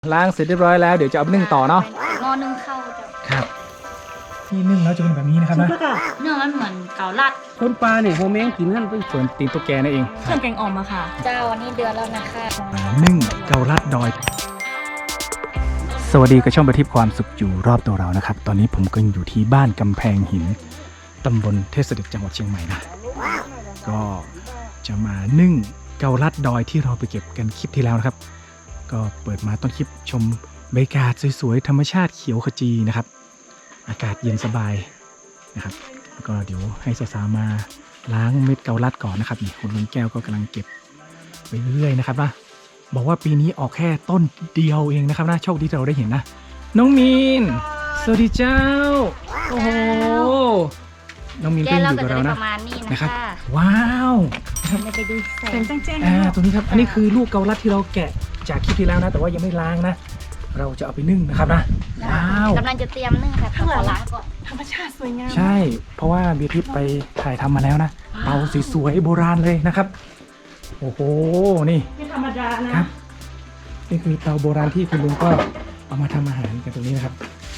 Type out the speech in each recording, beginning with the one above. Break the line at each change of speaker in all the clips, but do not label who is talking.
ล้างเสร็จเรียบร้อยแล้วเดี๋ยวจะเอาไปนึ่งต่อเนาะ
หม้อนึ่งข้าวจ้ะ
ครับที่นึ่งแล้วจะเป็นแบบนี้นะครับนะ
เนื้อมันเหมือนเกาลัด
ต้นปลาเนี่ยโฮแมงกินหั่นไป
ส่วนตีนตุ๊กแกนั่นเอง
เครื่องแกงอ่อมอะค่ะ
เจ้าอันนี้เดือนแล้วนะคะ
นึ่งเกาลัดดอย สวัสดีกับช่องประทีปความสุขอยู่รอบตัวเรานะครับตอนนี้ผมก็อยู่ที่บ้านกำแพงหินตำบลเทพเสด็จจังหวัดเชียงใหม่นะก็จะมานึ่งเกาลัดดอยที่เราไปเก็บกันคลิปที่แล้วนะครับก็เปิดมาต้นคลิปชมบรรยากาศสวยๆธรรมชาติเขียวขจีนะครับอากาศเย็นสบายนะครับแล้วก็เดี๋ยวให้สาวๆมาล้างเม็ดเกาลัดก่อนนะครับนี่คุณลุงแก้วก็กำลังเก็บไปเรื่อยๆนะครับนะบอกว่าปีนี้ออกแค่ต้นเดียวเองนะครับนะโชคดีที่เราได้เห็นนะน้องมีนสวัสดีเจ้าโอ้โหน้องมีนก็
แก้
ยัง
เรา
อยู่
ก็
กับ
จะ
เรา
ได้
นะ
ประมาณนี้
นะ
นะครับ คะ
ว้าว
เราไปดูใส่
เป็นแจ้งๆ
ตรงนี้ครับอันนี้คือลูกเกาลัดที่เราแกะจากคลิปที่แล้วนะแต่ว่ายังไม่ล้างนะเราจะเอาไปนึ่งนะครับนะว้าว
กำลังจะเตรียมนึ่งค่ะขอล้างก่อน
ธรรมชาติสวยงาม
ใช่เพราะว่าเบียร์ทิพย์ไปถ่ายทำมาแล้วนะเตาสวยๆโบราณเลยนะครับโอ้โหนี่
ไม่ธรรมดานะครับ
นี่คือเตาโบราณที่คุณลุงก็เอามาทำอาหารกันตรงนี้นะครับ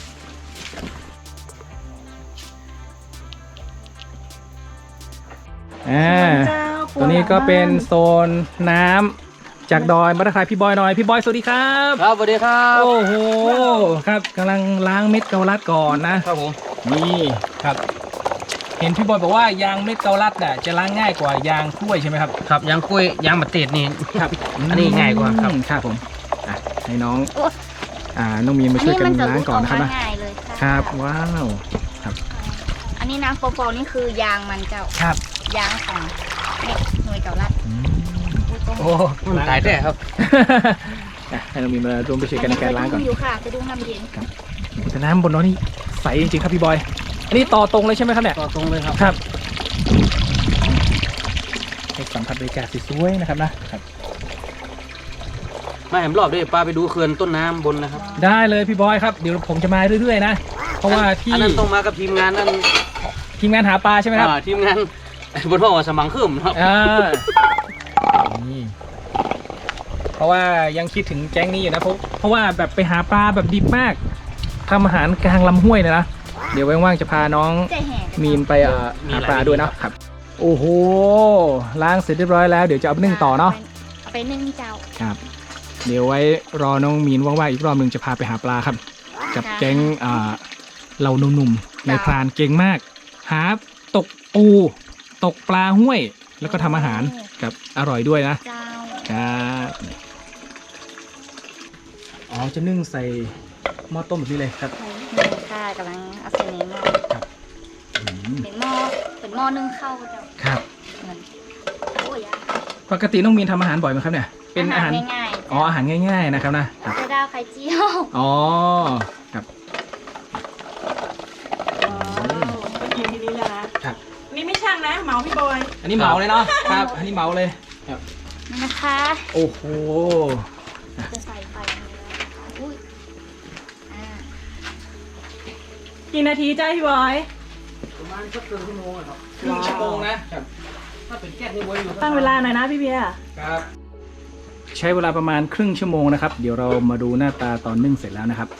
ตัวนี้ก็เป็นโซนน้ำจากดอยมาทักทายพี่บอยหน่อยพี่บอยสวัสดีครับ
ครับสวัสดีครับ
โอ้โหครับกำลังล้างเม็ดเกาลัดก่อนนะครับ
ผม
นี่ครับเห็นพี่บอยบอกว่ายางเม็ดเกาลัดน่ะจะล้างง่ายกว่ายางกล้วยใช่ไหมครับ
ครับยางกล้วยยางมะเตดนี่
ครับ
อันนี้ง่ายกว่าครับ
ครับผมอ่ะให้น้องน้องมีนมาช่วยกันล้างก่อนนะครับนะ
ง่ายเลยค่ะ
ครับว้าว
อันนี้น้ำโฟนี่คือยางมันเจ้า
ครับ
ยางของเม็ดหน่วยเกาลัด
โอ้
มันตายได้ครับ
ให้น้องมีนมารวมไปช่วยกันในการล้างก่อน
อยู่ค่ะจะดูน้ำเย็น
แต่น้ำบนน้องนี่ใสจริงๆครับพี่บอยอันนี้ต่อตรงเลยใช่ไหมครับเนี่ย
ต่อตรงเลยครับ
ครับให้สัมผัสบรรยากาศสวยๆนะครับนะครับ
มาแหมรอบด้วยปลาไปดูเขื่อนต้นน้ำบนนะครับ
ได้เลยพี่บอยครับเดี๋ยวผมจะมาเรื่อยๆนะเพราะว่าที่
อันนั้นต้องมากับทีมงานนั่น
ทีมงานหาปลาใช่ไหมครับ
ทีมงานบนห้องสมังขึ้นครับ
นี่เพราะว่ายังคิดถึงแก๊งนี้อยู่นะเพราะว่าแบบไปหาปลาแบบดิบมากทำอาหารกลางลำห้วยเลยนะเดี๋ยวว่างๆจะพาน้อง
ใจแห่
มีนไปหาปลาด้วยเนาะครับโอ้โหล้างเสร็จเรียบร้อยแล้วเดี๋ยวจะเอาไปนึ่งต่อเนาะ
เอาไปนึ่งเจ้า
ครับเดี๋ยวไว้รอน้องมีนว่างๆอีกรอบหนึ่งจะพาไปหาปลาครับกับแก๊งเราหนุ่มๆในพรานเก่งมากหาตกปูตกปลาห้วยแล้วก็ทำอาหารกับอร่อยด้วยนะ
เจ้า
ครับอ๋อจะนึ่งใส่หม้อต้มแบบนี้เลยครับ
ค่ะกำลังเอาใส่ในหม้อ
อืม
เป็นหม้อนึ่งข้าวเจ้า
ครับ
เหมือนโอ้ย
ปกติน้องมีนทำอาหารบ่อยไหมครับเนี่ยเป็นอาหาร
ง่ายๆ
อ๋ออาหารง่ายๆนะครับนะครับ
ไข่ดาวไข่เจียว
อ๋อครับ
ก็กินทีนี้แล้วนะครับ นี่ไม่ช่างนะเหมาพี่บอย
อันนี้เหมาเลยเนาะครับอันนี้เหมาเลยครับ
นี่นะคะ
โอ้โห
จะใส่ไฟอันนี้แล้วนะคะอุ้ยอ่า
กี่นาทีจ้าพี่บอย
ประมาณสักครึ่งชั่วโมงครับ
ครึ่งชั่วโมงนะครับ
ถ้าเป็นแก๊สนี่ไว้อยู่
ตั้งเวลาหน่อยนะพี่เบียร์
ครับใช้เวลาประมาณครึ่งชั่วโมงนะครับเดี๋ยวเรามาดูหน้าตาตอนนึ่งเสร็จแล้วนะครับ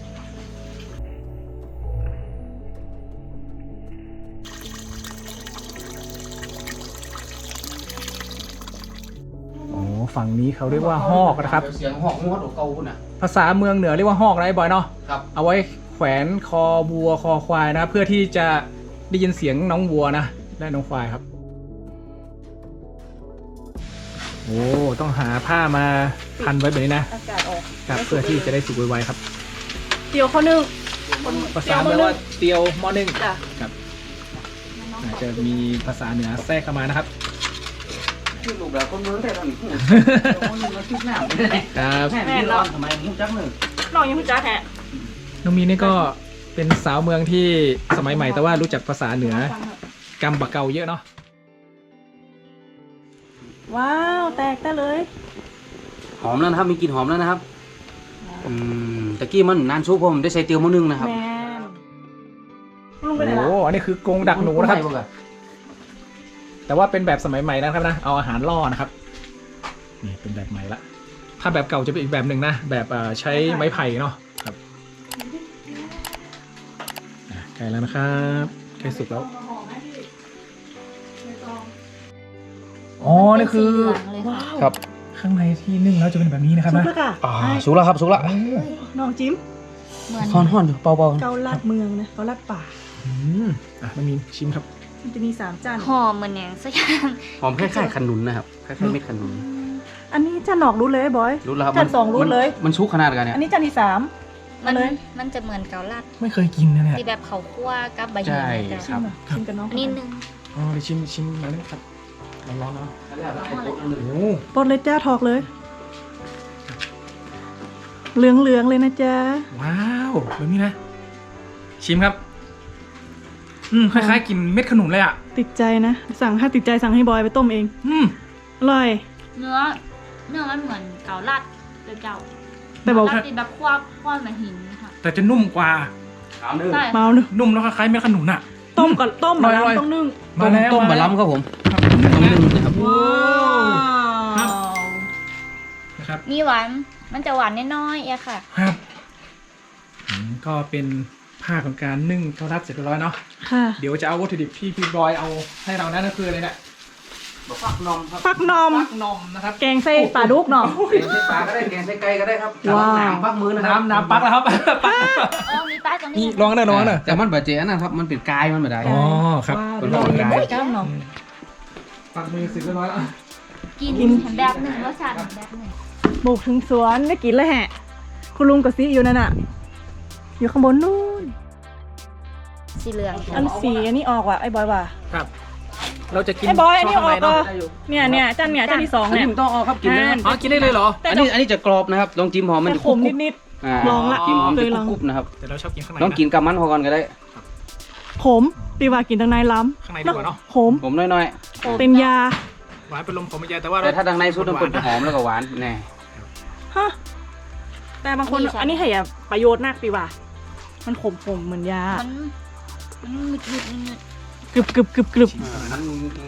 โอ้ฝั่งนี้เขาเรียกว่าฮอกนะครับ
เสียงหอกงวดของเก่าคุณน่ะ
ภาษาเมืองเหนือเรียกว่าฮอกนะไอ้บอยเนาะ
ครับ
เอาไว้แขวนคอวัวคอควายนะเพื่อที่จะได้ยินเสียงน้องวัวนะและน้องควายครับโอ้ต้องหาผ้ามาพันไว้แบบนี้นะ
อากาศออก
ครับเพื่อที่จะได้สุกไวๆครับ
เดี๋ยวเขานึ่ง
ภาษาเรียกว่าเตียวหม้อนึ่ง
จ้ะ
ครับอาจจะมีภาษาเหนือแทรกเข้ามานะครับ
ที่ลูกเราคนเมืองแต่ตอนนี้มันมาชุบหน้า
ครับ
แม่ไม่ร้อนทำไมมุ้งจักหนึ่ง
น้องยังพี่จ้าแฮะ
น้องมีนี่ก็เป็นสาวเมืองที่สมัยใหม่แต่ว่ารู้จักภาษาเหนือกำบะเกาเยอะเนาะ
ว้าวแตกได้เลย
หอมแล้วนะครับมีกลิ่นหอมแล้วนะครับตะกี้มันนานชุบผมได้ใส่เตียวมื้อนึงนะครับ
แมนลุงไปไหน
โอ้
ล่ะ
อันนี้คือกรงดักหนูนะครับแต่ว่าเป็นแบบสมัยใหม่นะครับนะเอาอาหารล่อนะครับนี่เป็นแบบใหม่ละทาแบบเก่าจะเป็นอีกแบบหนึ่งนะแบบใช้ไม้ไผ่เนาะครับใกล้แล้วนะครับใกล้สุกแล้วอ๋อนี่คือ
สีเหลืองเลยค่ะ
ครับข้างในที่นึ่งแล้วจะเป็นแบบนี้นะครับ
ซุป
นะ
แล้วค่ะ
สุกแล้วครับสุกแล้ว
น้องจิ้ม
เหมือน
ห่อนอยู่เบา
เกาลัดเมืองนะเกาลัดป่า
อืมมันมีชิมครับ
มันจะมี3จาน
หอมเหมือนอย่างสักอย่าง
ๆหอมคล้ายๆขนุนนะครับคล้ายๆเม็ดขนุน
อันนี้จานหนอกรู้เลยบอย
รู้แล้วครับ
จานสองรู้เลย
มันชุกขนาดกันเนี่ย
อันนี้จานที่
มัน
เลย
มันจะเหมือนเกาลัด
ไม่เคยกินนะเนี่ย
ที่แบบเขาคั่วกับใบ
ใช่
หินนะ
3
จ๊ะ
ชิมกับน้อง
นิดนึง
อ๋อเดี๋ยวชิมมาเลยครับร้อนๆเนาะโอ้
ปลดเลยจ้าถอกเลย เหลืองๆเลยนะจ๊ะ
ว้าวแบบนี้นะ ชิมครับคล้ายๆกินเม็ดขนุนเลยอ่ะ
ติดใจนะถ้าติดใจสั่งให้บอยไปต้มเอง อร่อย
เนื้อมันเหมือนเกาลัดเลยเก่า
แต่บอก
เกาลัดที่แบบคั่วเหมือนหินค่ะ
แต่จะนุ่มกว่า
ขาวนึ่ง
ใช่
เมาเนอะ
นุ่มแล้วคล้ายๆเม็ดขนุนอ่ะ
ต้มก่อนต้ม
อ
มา
ร่
แล้ว
อยๆ
ต้องนึ่ง
มาแล้ว
ต้มบะล้ำครับผมต้มนึ่งนะครับ
ว้าว นะครับ
มีหวานมันจะหวานน้อยๆอะค่ะ
ครับก็เป็นภาคของการนึ่งเกาลัดเสร็จเรียบร้อยเนาะ
ค่ะ
เดี๋ยวจะเอาวัตถุดิบที่พี่บอยเอาให้เรานั่นก็คืออะไรเนี่ย
ฟักนมครับ
ฟักนม
ฟักนมนะครับ
แกงไส้ปลาดุกเนาะ
แกงไส้ปลาก็ได้แกงไส้ไก่ก็ได้ครับ
ว้าว
น้ำฟักมือนะครับ
น้ำปักแล้วครับ
อ๋อ มีป้ายตรง
นี่
นี้
ลองนะลองนะ
แต่มันแบบเจ๊นะครับมันเป็นกายมันแบบใด
อ๋อครับ
เป็น
ลอง
กาย
เลยจ้าเนาะ
ปักมือเสร็จเรียบร้อยแล้ว
กินแบบหนึ่งรสชาติแบบหนึ่ง
บุกถึงสวนได้กินเลยแฮะ คุณลุงกับซีอยู่นั่นน่ะ อยู่ข้างบนนู่น
สีเหลือง
อันสีอันนี้ออกว่ะไอ้บอยว่ะ
ครับ เราจะกิน
ไอ้บอยอันนี้ออก
ช่
ก็
วงข้างในเนาะ
เนี่ยจานที่สอง
อัน
เนี่
นี้
ย
มันต้องเอาครับกินเลยครับ
อ๋อกินได้เลยเหรอ
แต่
อันนี้จะกรอบนะครับลองจิ้มหอมมัน
แต่
จะ
ขมนิด
อ่า
ลองละ
จิ้มหอม
เค
จะ
ยลอง
กรุบๆนะครับ
แต่เราชอบกินข้างใน
ลองกินกับมันพอก่อนก็ได้
ๆขมตีว่ากินตั้งในล้ำ
ข้างในดีกว่าเนาะ
ขม
ผมน้อย
เป็นยา
หวานเป็นลมผมไม่ใหญ่แต่ว่า
ๆแต่ถ้าดังในสุดมันเป็น
นะ
หอมแล้วก็หวานแน่
ฮะ แต่บางคนอันนี้ให้อะประโยชน์นักตีว่า มันขมเหมือนยา
มันหนึด
กรึบกรึบกรึบกรึบ
นั้น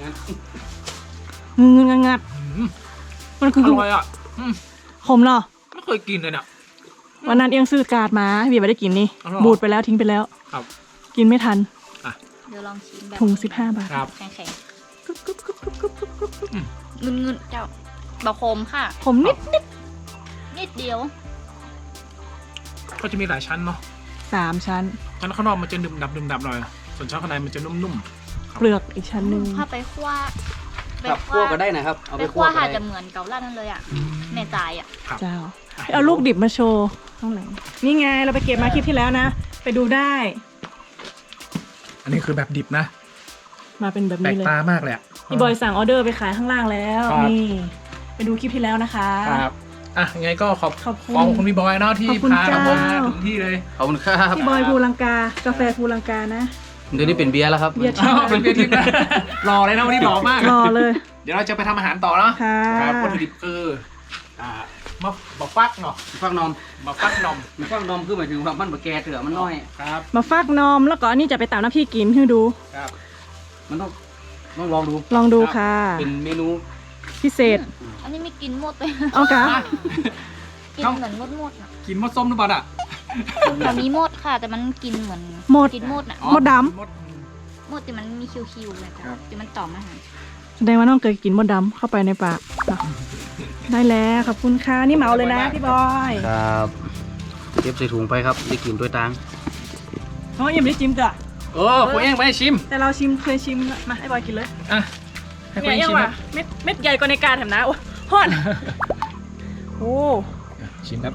งึงงัด
อืม
มันคือ
อร่อยอ่ะ
ขมเนาะ
ไม่เคยกินเลยเนี่ย
วันนั้นเอียงซื้อการ์ดมาเบียร์ไม่ได้กินนี่
อ๋อเหรอ
บูดไปแล้วทิ้งไปแล้ว
ครับ
กินไม่ทัน
เดี๋ยวลองชิมแบบ
ถุง15 บาท
ครับ
แข็ง
กรึบกรึบกรึบกรึบกรึบกรึบกรึบ
ๆเงินเจ้าบะคมค่ะ
ขมนิด
นิดเดียว
ก็จะมีหลายชั้นเนาะ
3 ชั้น
ชั้นข้างนอกมันจะดึมดับหน่อยส่วนชั้นข้างในมันจะนุ่ม
เปลือกอีกชั้นหนึ่ง
ถ้าไปคั่ว
ครับคั่วก็ได้นะครับเอา
ไป
ไป
คั่
คั่
ว
วก็
ค่ะ
ได้
จะเหมือนเกาลัดนั่นเลยอ่ะแม่จ่ายอ่ะ
ครับ
เจ้า เอาลูกดิบมาโชว์ข้างหลังนี่ไงเราไปเก็บมาคลิปที่แล้วนะ ไปดูได้
อันนี้คือแบบดิบนะ
มาเป็นแบบ
แปล
นี้
ก
เลย
ตามากเลยอะ
พี่บอยสั่งออเดอร์ไปขายข้างล่างแล้ว
ครับ
นี่ ไปดูคลิปที่แล้วนะคะ
ครับอ่ะยังไงก็ขอบ
ขอบคุณ
คุณพี่บอยเนาะที่
ขอบคุณ
พาเรามา
เจ้า
ถึงที่เลย
ขอบคุณครับ
พี่บอยภูลังกากาแฟภูลังกานะ
เดี๋ยวนี้เป็นเบียร์แล้วครับ
เบียร์
อ้าวเป็นเพียทิพย์นะรอเลยนะวันนี้รอมาก
รอเลย
เดี๋ยวเราจะไปทำอาหารต่อเนาะ
ค่ะ
ครับวัตถุดิบคือมะฟักเนาะ
ฟักนม
มะฟักนม
ฟักนมคือหมายถึงว่ามันบะแกเถื่อมันน้อย
ครับ
มาฟักนมแล้วก็อันนี้จะไปตามน้ำพี่กินให้ดู
ครับ
มันต้องลองดู
ลองดูค่ะ
เป็นเมนู
พิเศษ
อันนี้ไม่กินหมดเลย
เอากะ
กินเหมือนมดๆอ่ะ
กินมดส้มหรือเปล่าอ่ะ
มันมีมดค่ะ แต่มันกินเหมือน
หมด
กินมดอ่ะ
อ๋อ
มดดำ
มด
มดที่มันมีคิวๆเลยจ้ะที่มันต่อมอาหาร
แสดงว่าน้องเคยกินมดดำเข้าไปในปากอ่ะได้แล้วขอบคุณค่ะนี่เหมาเลยนะพี่บอย
ครับเก็บใส่ถุงไปครับได้กินด้วยตัง
น้องยังไม่ได้ชิมจ้ะ
เออผมเองไม่ได้ชิม
แต่เราเคยชิมนะมาให้บอยกินเลย
อ่ะให้คุณ
เนี่ย
เอง
ยัง
ชิม
ว่ะ
นะ
เม็ดใหญ่กว่าในการแถมนะโอ้ฮอนโอ้
ชิมครับ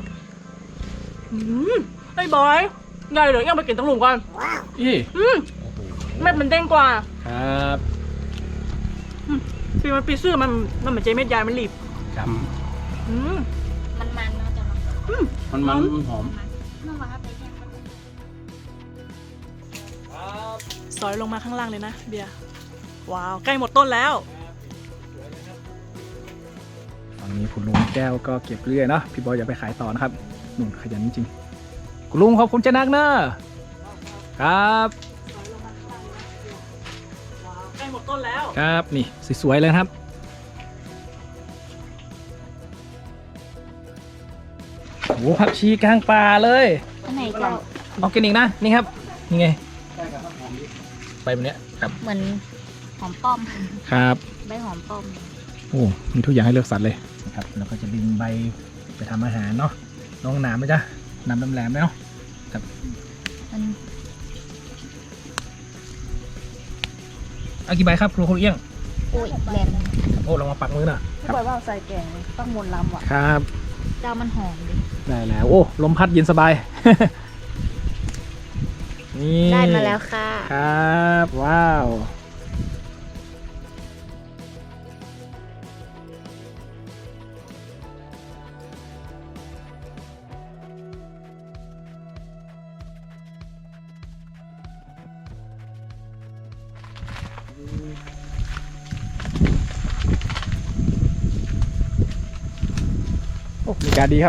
ไอ้บอยใหญ่เหรอยังไปกินตั้งหลุมก่อน
อี
เม็ดมันเด้งกว่า
ครับ
ปีมันปีซื่อมันเหมือนเจเม็ดใหญ่มันหลีบ
ครับ
อืม
มันเนาะจะมัน
มันหอม
เมื่อวานไปแค่
ซอยลงมาข้างล่างเลยนะเบียร์ว้าวใกล้หมดต้นแล้ว
ตอนนี้คุณลุงแก้วก็เก็บเรื่อยเนาะพี่บอยอย่าไปขายต่อนะครับหนุ่มขยันจริงๆคุณลุงขอบคุณเจนักเนอะครับ
ใกล้หมดต้นแล้ว
ครับนี่สวยๆเลยนะครับอ้ผักชีกลางป่าเลย
อันไหนเจ้า
ออร์แกนิกนะนี่ครับนี่ไงใบแบบเนี้ยครับ
เหมือนหอมป้อม
ครับ
ใบหอมป้อม
โอ้มีทุกอย่างให้เลือกสรรเลยนะครับแล้วก็จะดึงใบไปทำอาหารเนาะน้องหนามไหมจ๊ะหนามแหลมๆไหมเนาะ
มัน
เอากี่ใบครับครูเอี้ยง
โอ้ยแหลม
โอ้ลองมาปักมือหน่อย
พี่บอยว่าใส่แกงต้องมนต์ลำว่ะ
ครับ
เจ้ามันหอมดิ
ได้แล้วโอ้ลมพัดเย็นสบาย นี่
ได้มาแล้วค่ะ
ครับว้าวโอ้บรรยากาศดีครับ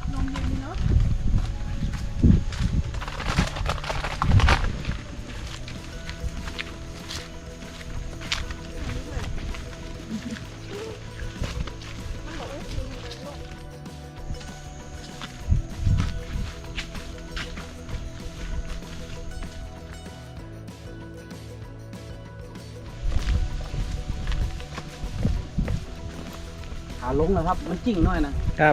ขาลงนะครับ มันจิ้งน้อยนะครับ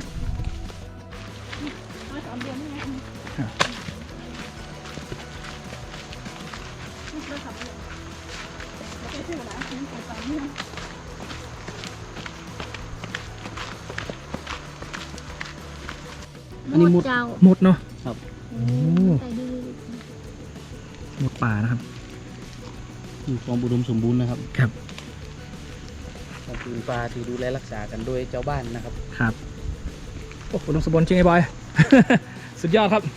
อันนี้มุด
เจ้า
หมดเนาะ
ครับ
โอ้
ใส่ดื้อ
หมดป่านะครับ
มีความอุดมสมบูรณ์นะครับ
ครับ
ก็คือปลาที่ดูแลรักษากันโดยเจ้าบ้านนะครับ
ครับโอ้อุดมสมบูรณ์จริงไอ้บอย สุดยอดครับ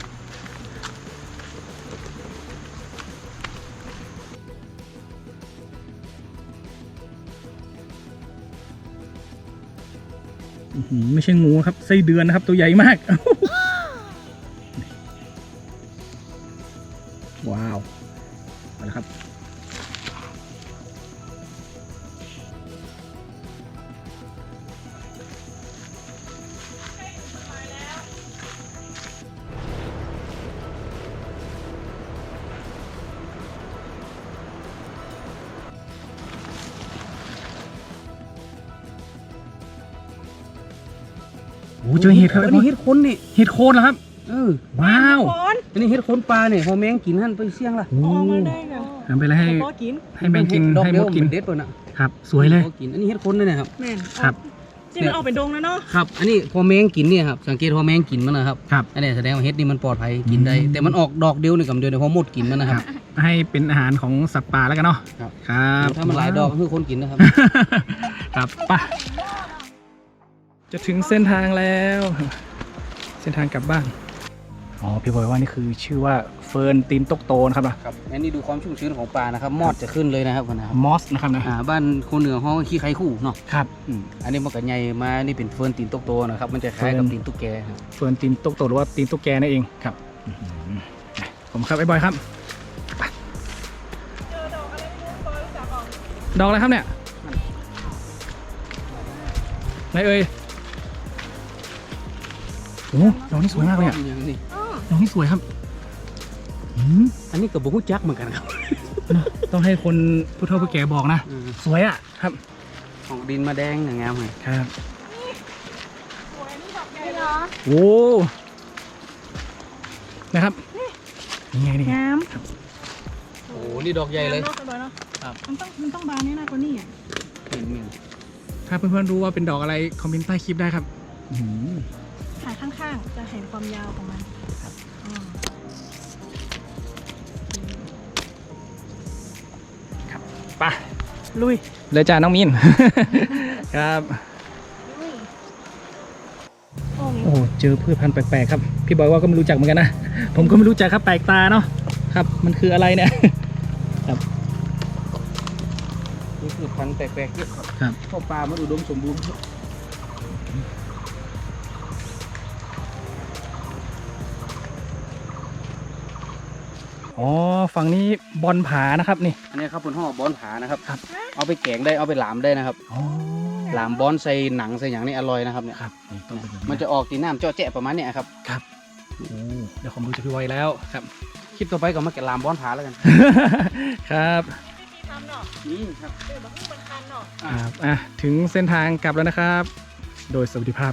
อื้อหือไม่ใช่งูครับไส้เดือนนะครับตัวใหญ่มาก ว้าวมาแล้วครับโอ้เจอเห็ดครับ
อันนี้เห็ดคนนี่
เห็ดโคนเหรอครับ ว้าว
คน
อันนี้เห็ดคนปลาเนี่ยพอแมงกินหั่นไปเสี่ยงล่ะ
โอ้
ออกมาได้ไง
ทำไปแล้วให้
พอกิน
ให้แมงกิน
ดอก
ให้
เดี
ม
ยว
ดกิน
เด็ดป่ะน่ะ
ครับ สวยเลย
พอกินอันนี้เห็ดคนเลยนะครับ
แม่น
ครับ
จริงมันออกเป็นดงแล้วเนาะ
ครับ อันนี้พอแมงกินเนี่ยครับ สังเกตพอแมงกินมันนะครับ
ครับ
อันนี้แสดงว่าเห็ดนี่มันปลอดภัยกินได้
อืม
แต่มันออกดอกเดียวนี่กับเดียวเนี่ยพอหมดกินมันนะครับ
ให้เป็นอาหารของสัตว์ป่าแล้วกันเนาะ
ครับ
ครับ
ถ้ามันหลายดอกก็คือคนกินนะครับ
ครับไป่ะจะถึงเส้นทางแล้ว เส้นทางกลับบ้านอ๋อพี่บอยว่านี่คือชื่อว่าเฟิร์นตีนตกโตนะครับนะครับ
อันนี้ดูความชุ่มชื้นของปลานะครับ มอดจะขึ้นเลยนะครับนะครับ
มอสนะครับนะ
บ้านคนเหนือห้องขี้ไข่คู่เนาะ
ครับ
อันนี้มันก็ใหญ่มานี่เป็นเฟิร์นตีนตกโตนะครับ มันจะคล้ายกับตีนตุ๊กแกครับ
เฟิร์นตีนตกโตหรือว่าตีนตุ๊กแกนั่นเองครับผมครับไอ้บอยครับไปดอกอะไรครับเนี่ยไหนเอ่ยโอ้ดอกนี้สวยมากเลยอ่ะ
อย่างนี้
ดอกนี้สวยครับอืม
อันนี้กับบุ้จักเหมือนกันครับ
ต้องให้คนผู้เฒ่าผู้แก่บอกนะ สวยอ่ะครับ
ของดินมาแดงอย่างงามเลย
ครับ
นี่เหรอ
โอ้นะครับนี่ไงนี่ไง
งาม
โอ้นี่ดอกใหญ่เลย
งามนาะเนาะ
ครับ
มันต้องบานนี่นะกว่านี่อ่ะ
ถ้าเพื่อนๆรู้ว่าเป็นดอกอะไรคอมเมนต์ใต้คลิปได้ครับอื้อหือ
ถ่ายข้างๆ จะเห็นความยาวของมันอืม
ไป
ลุย
เลยจ้าน้องมิน ครับ
อุ้ย
โอ้
โอ้เจอพืชพันธุ์แปลกๆครับพี่บอยว่าก็ไม่รู้จักเหมือนกันนะ ผมก็ไม่รู้จักครับแปลกตาเนาะครับ มันคืออะไรเนี่ย
นี่คือพันธุ์แปลกๆเยอะครับ
ครับ
เพราะปลามันอุดมสมบูรณ์
อ๋อฝั่งนี้บอลผานะครับนี่
อันนี้ครับเป็นห่อบอนผานะครับ
ครับ
เอาไปแกงได้เอาไปหลามได้นะครับ
อ๋อ
หลามบอนใส่หนังใส่อย่างนี้อร่อยนะครับเนี่ย
ครับนี่ต้องเป็นแบบ
มันจะออกตีน้ำเจาะแจะประมาณเนี้ยครับ
ครับโอ้เดี๋ยวความรู้จากพี่ไวแล้วครับ
คลิปต่อไปก็มาแกะหลามบอนผาแล้วกัน
ครับ
ทำเนาะ
นี่ครับ
เดี๋ยวมันเป็นคันเนาะ
ครับถึงเส้นทางกลับแล้วนะครับ โดยสวัสดิภาพ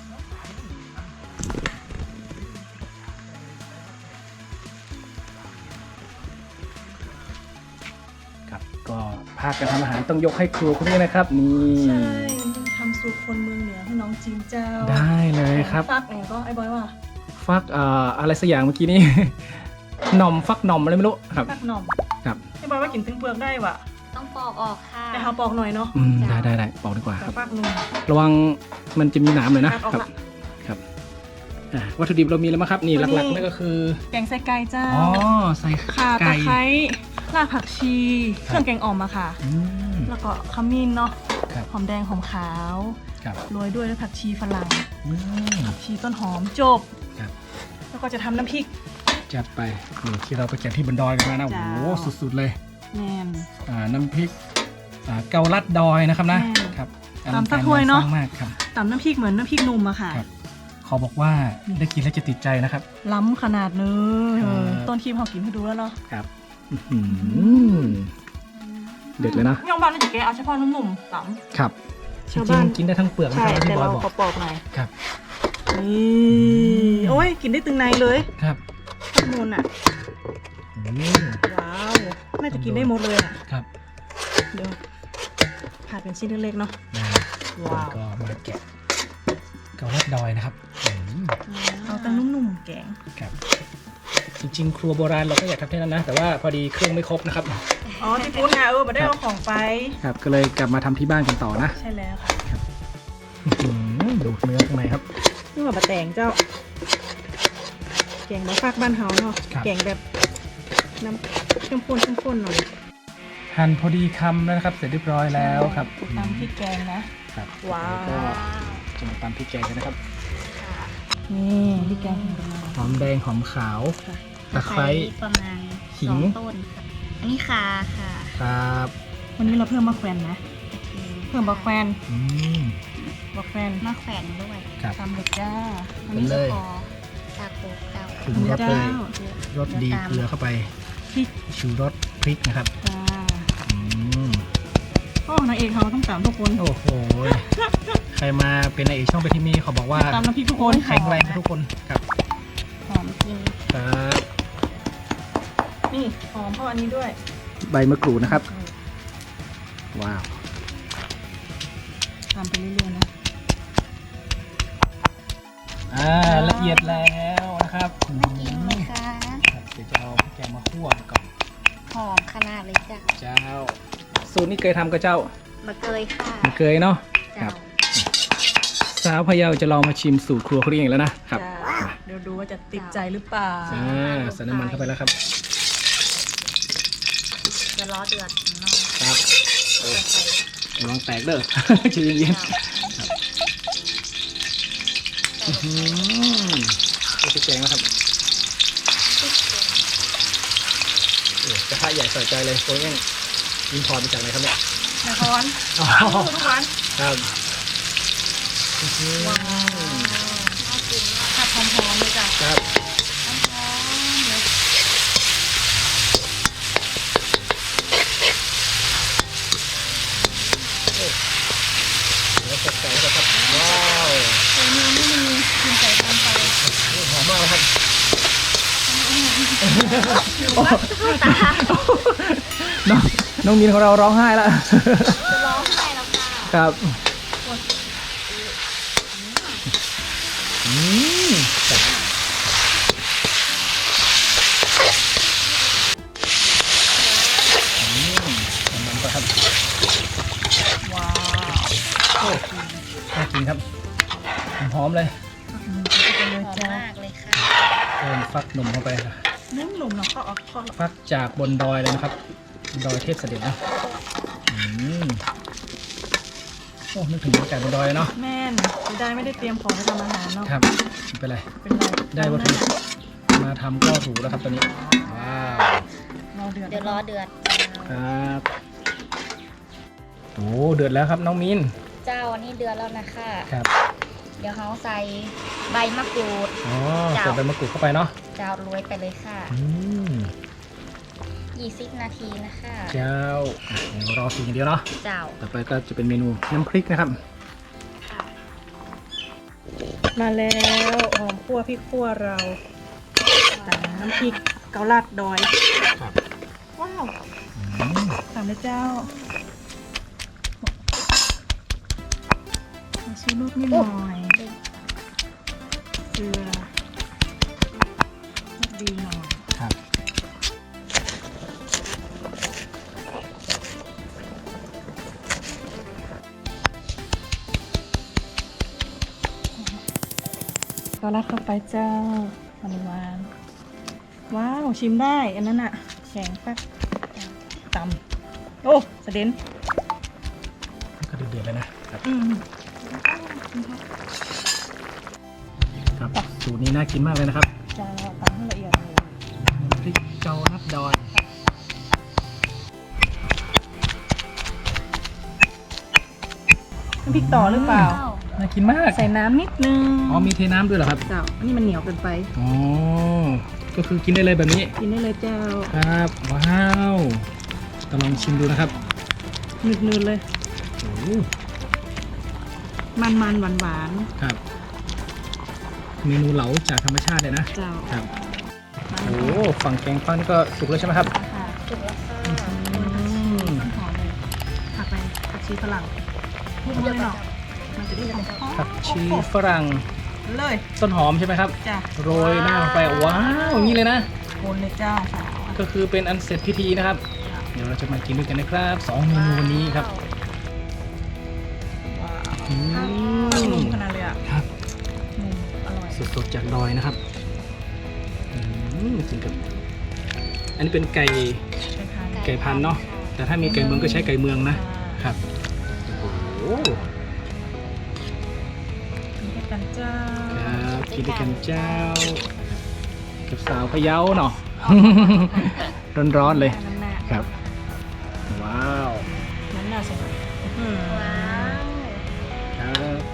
ครับก็ภาคการทำอาหารต้องยกให้ครัวคุณนี่นะครับ นี่
ใช่ทำสูตรคนเมืองเหนือให้น้องจีนเจ้า
ได้เลยครับ
ฟักเองก็ไอ้บอยว่า
ฟักอะไรสักอย่างเมื่อกี้นี้ หน่อมฟักหน่อมอะไรไม่รู้ครับ
ฟักหน่อม
ครับ
ไอ้บอยว่ากินถึงเปลือกได้ว่ะ
ต้องปอกออกค่ะ
แต่เขาปอกหน่อยเนาะ
ได้บอกดีกว่า
แต่
ครับ
ฟักหนุ่ม
ระวังมันจะมีหนามเลยนะ
ตัดออก
ครับ
ละ
ครับวัตถุดิบเรามีแล้วมั้งครับนี่
วันนี้
หลักๆนั่นก็คือ
แกงไส้ไก่เจ้า
อ๋อใส่
ข่าตะ
ไก่
ไคร้รากผักชี เครื่องแกงอ่อมอะค่ะ
อืม
แล้วก็ขมิ้นเนาะ
ครับ
หอมแดงหอมขาว
ครับ
โรยด้วยผักชีฝรั่ง
อืม
ผักชีต้นหอมจบ
ครับ
แล้วก็จะทำน้ำพริก
จัดไปนี่ที่เราไปแกะที่บนดอยกันมานะโอ้
จ้า
โหสุดๆเลย
แมน
น้ำพริกเกาลัดดอยนะครับนะ
แม่
ครับ
ตามสักถ้วยเนอะ
อลังการงสร้างมากครับ
ตำน้ำพริกเหมือนน้ำพริกหนุ่มอะค่ะ
ครับ ขอบอกว่าได้กินแล้วจะติดใจนะครับ
ล้ำขนาดเนื้
ครับ
ต้นครีมเขากินให้ดูแล้วเนาะ
ครับอื้อหือเด็ดเลยนะ
ย่องบ้านนี่จะแกะเอาเฉพาะนุ่มๆล้
ครับ
ำ
จริงๆกินได้ทั้งเปลือก
ใช่
นะครับ
แต่
ที่บอ
เรา
ยบอก
ขอปอกหน่อย
ครับ
นี่โอ้ยกินได้ตึงในเลย
ครับ
ข้างบนอะ
อืม
ว้าวน่าจะกินได้หมดเลยอะ
ครับ
เดี๋ยวผัดเป็นชิ้นเล็กๆเนาะ
นะ
ว้าว
ก็มาแกะเกาลัดดอยนะครับอืม
เอาแต่นุ่มๆแกง
ครับ จริงๆ ครัวโบราณเราก็อยากทำแค่นั้นนะ แต่ว่าพอดีเครื่องไม่ครบนะครับ
อ๋อที่พูดนะมาได้เอาของไป
ครับ ก็เลยกลับมาทำที่บ้านกันต่อนะ
ใช่แล้วค่ะ
อื้อหือดูเนื้อข้างในครับ
นี่ว่าบะแตงเจ้า แกงบะฟักบ้านเฮาเนาะ
ครับ
แกงแบบน้ำเข้มข้นหน่อย
หั่นพอดีคำแล้วนะครับ เสร็จเรียบร้อยแล้วครับ
ตำพริกแกงนะ
ครับ
ว้าว
ก็จะมาตำพริกแกงกันนะครับ
นี่พริกแกงของเรา
หอมแดงหอมขาว
ค่ะ
ตะไคร้
ประมาณ
ขิง
2 ต้นค่ะ อันนี้คาค่ะ
ครับ
วันนี้เราเพิ่มมะแขวนนะ เพิ่มมะแขวน
อืม
มะแขวน
มะแขวนด้วย
ครับ
ตำเลยจ้า
อันนี้
เล
จะ
ย
พอตาโกเก้า
ปรุงรสเลย
เจ้า
รสดีเกลือเข้าไป
พริก
ชูรสพริกนะครับ
จ้า
อืม
โอ้นางเอกเขาต้องตำทุกคน
โอ้โห ใครมาเป็นนายเอกช่องไปที่นี่เขาบอกว่า
ตำน้ำพริกทุกคน
แข็งแรงทุกคนครับ
หอมจริง
ครับ
นี่หอมเพราะอันนี้ด้วย
ใบมะกรูดนะครับ ว้าว
ตำไปเรื่อยๆนะ
ละเอียดแล้วนะครับ
น่ากินไหมคะ
ครับเดี๋ยวจะเอาพริกแกงมาคั่วก่อน
หอมขนาดเลยจ้ะ
เจ้า สูตรนี้เคยทำกับเจ้า
มาเกยค่ะ
ไม่เคยเนาะ ครั
เจ้า
บ สาวพะเยาจะลองมาชิมสูตรครัวเขาเองแล้วนะครับ
จ้าเดี๋ยวดูว่าจะติดใจหรือเปล่า
ใส่น้ำมันเข้าไปแล้วครับ
จะล้อเดือดข้างนอก
ครับ
จะใส่
ระวังแตกเด้อ ใจเย็น
เจ้า
ๆอื้อหือพริกแกงนะครับกระทะใหญ่ใส่ใจเลยโอ้ยยังอินพอร์ตมาจากไหนครับเนี่ย
นคร
อ๋อ
ทุกวัน
ครับ
ว้าวน่ากินมาก
ผัดหอมๆเลยจ้ะ
ครับ
หอมๆเลย
แล้วสดใสแล้วครับว้าว
ตัวนี้ไม่มีกินไก่ทำไป
หอมมากเลยครับ น้องมินของเราร้องไห้แล้ว
จะร้องไห้แล้วค่ะ
ครับอืมครับมันก็ครับ
ว้าว
โอ้น่ากินครับ หอมเลย
ไปเลย
หอม
จ้าม
ากเลยค่ะ
เติมฟักหนุ่มเข้าไปค่ะ
นุ่มหนุ่มเนาะเขาเอาเขา
ฟักจากบนดอยเลยนะครับ ดอยเทพเสด็จนะอืมโอ้นึกถึงบรรยากาศบนดอยเลยเนาะ
แม่นจะได้ไม่ได้เตรียมของไปทำอาหารเนาะ
ครับไม่เป็นไร
เป็นไร
ได้วัตถุดิบมาทำก็ถูกแล้วครับตอนนี้ ว้าว
เราเดือด
เดี๋ยวล้อเดือด
ครับโอ้เดือดแล้วครับน้องมิน
เจ้าอันนี้เดือนแล้วนะคะ
ครับ
เดี๋ยวเขาใส่ใบมะกรูด
อ๋อ
จ้ะ
ใส่ใบมะกรูดเข้าไปเนาะ
เจ้าโรยไปเลยค่ะ
อืม
20 นาทีนะคะ
เจ้าเดี๋ยวรอกินอย่างเดียวเนาะ
เจ้า
ต่อไปก็จะเป็นเมนูน้ำพริกนะครับ
ค่ะ
มาแล้วหอมคั่วพริกคั่วเราตามน้ำพริกเกาลัดดอย
ครับ
ว้าว
อืม
ตามเลยเจ้ามาชูรสนิดหน่อยเกลือรสดีหน่อย
ครับ
เกาลัดเข้าไปเจ้าหวานๆว้าวชิมได้อันนั้นอะแข็งปักตำโอ้สะเด็น
ก็เดือดๆเลยนะครับ
อืม
ครับสูตรนี้น่ากินมากเลยนะครับ
จะตำให้ละเอียดเลย
น้ำพริกเกาลัดดอย
น้ำพริกต่อหรือเปล่า
น่ากินมาก
ใส่น้ำนิดนึง
อ๋อมีเทน้ำด้วยเหรอครับ
เจ้าอันนี้มันเหนียวเกินไป
อ๋อก็คือกินได้เลยแบบนี้
กินได้เลยเจ้า
ครับว้าวต้องลองชิมดูนะครับ
นืดๆเลย
โอ้โห
มันๆหวาน
ครับ เมนูเหลาจากธรรมชาติเลยนะ
ๆเจ้า
ครับโอ้ฝั่งแกงฟังนี่ก็สุกแล้วใช่ไหมครับ
ค่ะ
จุกแล้วค่ะ
หอมเลยผักไปผักชีฝรั่งพุ่งเลยเนาะมันจะได้หอม
ผักชีฝรั่ง
เลย
ต้นหอมใช่ไหมครับ
จ้ะ
โรยหน้าลงไปว้าวอย่างนี้เลยนะ
คนเลยเจ้าค่ะ
ก็คือเป็นอันเสร็จพิธีนะครับ เดี๋ยวเราจะมากินด้วยกันนะครับ2เมนูวันนี้ครับ
ว้าว
อืม
นุ่มขนาดเลยอ่ะ
ครับ
นุ่มอร่อย
สดๆจากดอยนะครับกินกับ อันนี้เป็นไก่
ใช่ค่ะ
ไก่พันธุ์เนาะ แต่ถ้ามีไก่เมืองก็ใช้ไก่เมืองนะ ครับ โอ้โห
มีให้กันเจ้า
ครับกินด้วยกันเจ้า กับสาวพะเยาเนาะ ร้อนๆเลย
น้ำหน้า
ครับ ว้าว
น้ำหน้าใช่ไหม
ว้าว
ครับ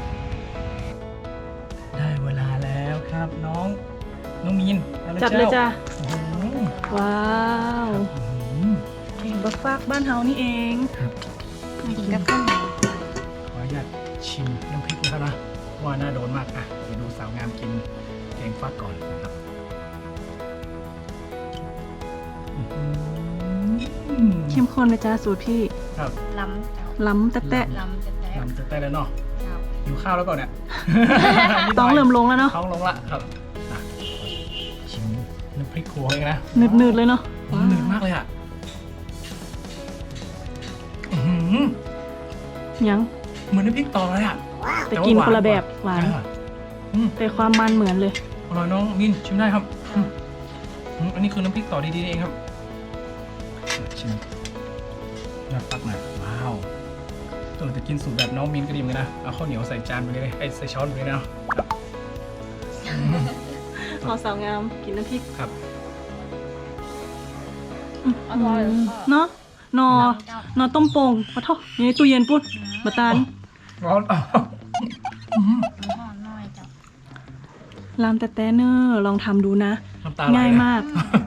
ได้เวลาแล้วครับน้องมีนอา
จัดเลยจ้า
โอ้โห
ว้าว
อืม
เก่งบักฟากบ้านเฮานี่เอง
ครับ
กินกับข้าวเหนียว
ขออนุญาตชิมน้ำพริกนะครับนะว่าน่าโดนมากอ่ะไปดูสาวงามกินแกงฟักก่อนนะครับอื้อหือ
เข้มข้นเลยจ้าสูตรพี่
ครับ
ล้ำเจ้า
ล้ำแตะ
ล้ำจะแตก
นำจะได้แล้วเนาะ
เจ้า
อยู่ข้าวแล้วก่อนเนี่ย
ๆต้องเริ่มลงแล้วเนาะ
ท้องลงละครับอ่ะชิมน้ำพริกครัวเองนะ
หนืดๆเลยเนาะ
หนืดมากเลยอ่ะอื้อหือ
ยัง
เหมือนน้ำพริกต่อเลยอ่ะ
แต่กินคนละแบบหวาน
อ่ะอืม
แต่ความมันเหมือนเลย
อร่อยน้องมินชิมได้ครับอันนี้คือน้ำพริกต่อดีๆเองครับชิมน่าปักหน่อยว้าวแต่กินสูตรแบบน้องมินก็ดีเหมือนกันนะเอาข้าวเหนียวใส่จานไปเลยใส่ช้อนไปเลยนะ
ขอสาวงามกินน้ำพริก
ครับ
อร่อยค่ะ
เนาะนอ
เจ้าน
อต้มโป่งมาเท่าอยู่ในตู้เย็นปุ๊บมาตาน
ร้อน
มันหอมน้อยเจ้า
ลามแต่แต่เนอร์ลองทำดูนะ
น้ำตาไหล
ง่าย
นะ
มาก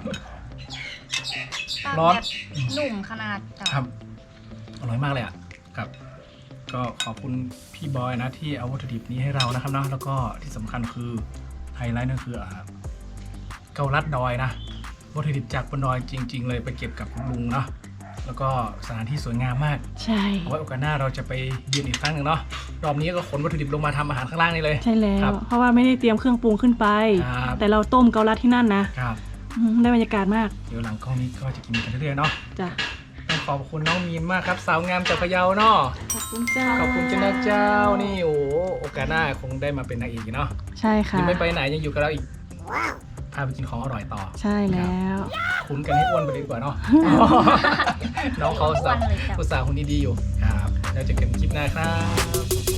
ร้อน
แบบนุ่มขนาดเจ้า
ครับอร่อยมากเลยอ่ะครับ ก็ขอบคุณพี่บอยนะที่เอาวัตถุดิบนี้ให้เรานะครับเนาะแล้วก็ที่สำคัญคือไฮไลท์นั่นคือเกาลัดดอยนะวัตถุดิบจากบนดอยจริง ๆ เลยไปเก็บกับลุงเนาะแล้วก็สถานที่สวยงามมาก
ใช่
เอาไว้โอกาสหน้าเราจะไปเยือนอีกครั้งหนึ่งเนาะรอบนี้ก็ขนวัตถุดิบลงมาทำอาหารข้างล่างนี่เลย
ใช่แล้
ครั
ว
บ
เพราะว่าไม่ได้เตรียมเครื่องปรุงขึ้นไป
ครับ
แต่เราต้มเกาลัดที่นั่นนะครับ ได้บรรยากาศมาก
เดี๋ยวหลังกล้องนี้ก็จะกินกันเรื่อยๆเนาะ
จ้ะ
ต้องขอบคุณน้องมีนมากครับ สาวงามจากพะเยาเนาะ
ขอบคุณเจ้า
ขอบคุณเจ้านะเจ้านี่โอ้โหโอกาสหน้าคงได้มาเป็นนางเอกอีกเนาะ
ใช่ค่ะ
ยังไม่ไปไหนยังอยู่กับเราอีกพาไปกินของอร่อยต่อ
ใช่แล้ว
คุ้นกันให้อ้วนไปเลยดีกว่าเนาะ น้องเขา
อ้วนเลยเจ้า
อุตส่าห์คนดีๆอยู่ครับแล้วเจอกันคลิปหน้าครับ